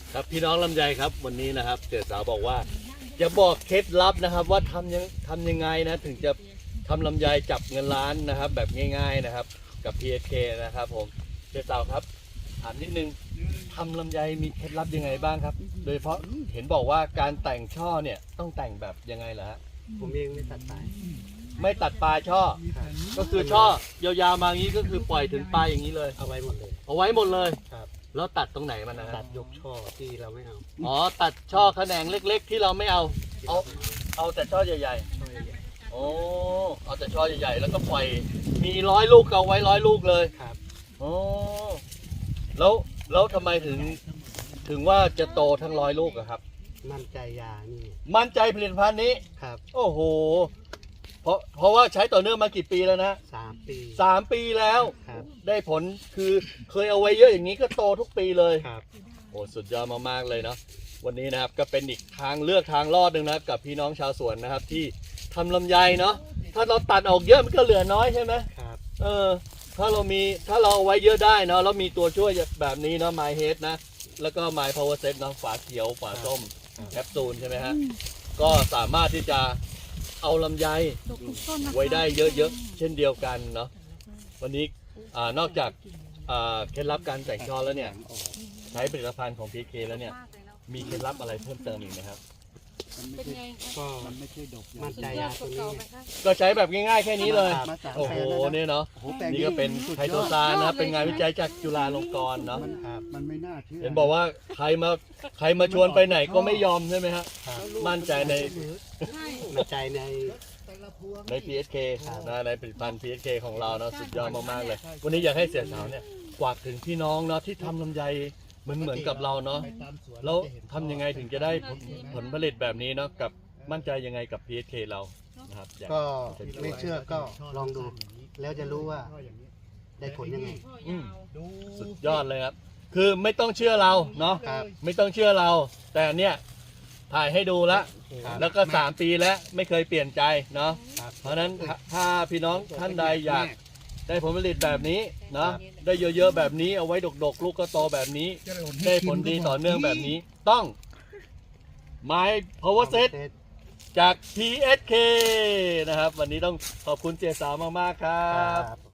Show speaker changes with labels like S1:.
S1: ครับพี่น้องลำไยครับวันนี้นะครับเจสาวบอกว่าจะบอกเคล็ดลับนะครับว่าทำยังไงนะถึงจะทำลำไยจับเงินล้านนะครับแบบง่ายๆนะครับกับ PSK นะครับผมเจสาวครับถามนิดนึงทำลำไยมีเคล็ดลับยังไงบ้างครับโดยเฉพาะเห็นบอกว่าการแต่งช่อเนี่ยต้องแต่งแบบยังไงล่ะฮะ
S2: ผมเองไม่ตัดสาย
S1: ไม่ตัดปลายช่อก็คือช่อยาวๆมาอย่างนี้ก็คือปล่อยถึงปลายอย่างนี้เลย
S2: เอาไว้หมดเลย
S1: เอาไว้หมดเลย
S2: ครับ
S1: แล้วตัดตรงไหนมันนะฮะ
S2: ตัดยกช่อที่เราไม่เอา
S1: อ๋อตัดช่อแขนงเล็ก ๆ ที่เราไม่เอาเอาแต่ช่อใหญ่
S2: ช่อใหญ่
S1: ๆโอ้เอาแต่ช่อใหญ่ๆแล้วก็ปล่อยมี100 ลูกก็เอาไว้100 ลูกเลย
S2: ๆครับ
S1: โอ้แล้วทำไมถึงว่าจะโตทั้ง100 ลูกอะครับ
S2: มั่นใจยานี่
S1: มั่นใจผลิตภัณฑ์นี้
S2: ครับ
S1: โอ้โหเพราะว่าใช้ต่อเนื่องมากี่ปีแล้วนะ
S2: 3 ปี
S1: 3 ปีแล้ว
S2: ครับ
S1: ได้ผลคือเคยเอาไว้เยอะอย่างนี้ก็โตทุกปีเลย
S2: ครับ
S1: โอ้สุดยอดมากๆเลยเนาะวันนี้นะครับก็เป็นอีกทางเลือกทางรอดหนึ่งนะกับพี่น้องชาวสวนนะครับที่ทำลำไยเนาะถ้าเราตัดออกเยอะมันก็เหลือน้อยใช่ไหม
S2: ครับ
S1: ถ้าเราเอาไว้เยอะได้เนาะแล้วมีตัวช่วยแบบนี้เนาะ My Head นะแล้วก็ My Power Set เนาะฝาเขียวฝาส้มแคปซูลใช่ไหมฮะก็สามารถที่จะเอาลำไยไว้ได้เยอะๆเช่นเดียวกันเนาะวันนี้นอกจากเคล็ดลับการแต่งช่อแล้วเนี่ยใช้ผลิตภัณฑ์ของ PK แล้วเนี่ยมีเคล็ดลับอะไรเพิ่มเติมอีกไหมครับ
S3: เป็นไงคะ
S2: ก็ มั่น
S3: สุด
S2: ใจ
S3: ยอย
S2: า
S3: ดก
S2: ตัว
S3: ว่า
S2: นี้
S3: เก่าไหมคะ
S1: ก็ใช้แบบง่ายๆแค่นี้เลย
S2: มาสาม
S1: โอ้โห
S2: แปลงแล้วนะ
S1: เนี่ยเนาะ
S4: โอ้โหแปลง
S1: นี่ก็เป็นไคโตซานนะครับเป็นงานวิจัยจากจุฬาลงกรณ์เนาะ
S2: ครับ
S4: มันไม่น่าเชื่อ
S1: เห็นบอกว่าใครมาชวนไปไหนก็ไม่ยอมใช่ไหมฮะ
S2: ครับ
S1: มั่นใจใน
S3: ใช่
S2: มั่นใจใน
S1: PSK นะในผลิตภัณฑ์ PSK ของเราเนาะสุดยอดมากๆเลย วันนี้อยากให้เสียสาวเนี่ยฝากถึงพี่น้องเนาะที่ทำลำไยเหมือนกับเราเนาะแล้วทำยังไงถึงจะได้ผลผลิตแบบนี้เนาะกับมั่นใจยังไงกับ PSK เรานะครับอยาก
S2: ก็ไม่เชื่อก็ลองดู แล้วจะรู้ว่าได้ผลยังไง
S1: อืมสุดยอดเลยครับ คือไม่ต้องเชื่อเราเนาะ
S2: ครับ
S1: ไม่ต้องเชื่อเรา แต่เนี่ยถ่ายให้ดูแล้ว
S2: ครับ
S1: แล้วก็3 ปีแล้วไม่เคยเปลี่ยนใจเนาะ
S2: ครับ
S1: เพราะฉะนั้นถ้าพี่น้องท่านใดอยากได้ผลผลิตแบบนี้เนาะได้เยอะๆแบบนี้เอาไว้ดกๆ ลูกก็โตแบบนี้ ได้ผลดีต่อเนื่องแบบนี้ต้อง My Power Set จาก PSK นะครับ วันนี้ต้องขอบคุณเจสาวมากๆครั
S2: ครับ บ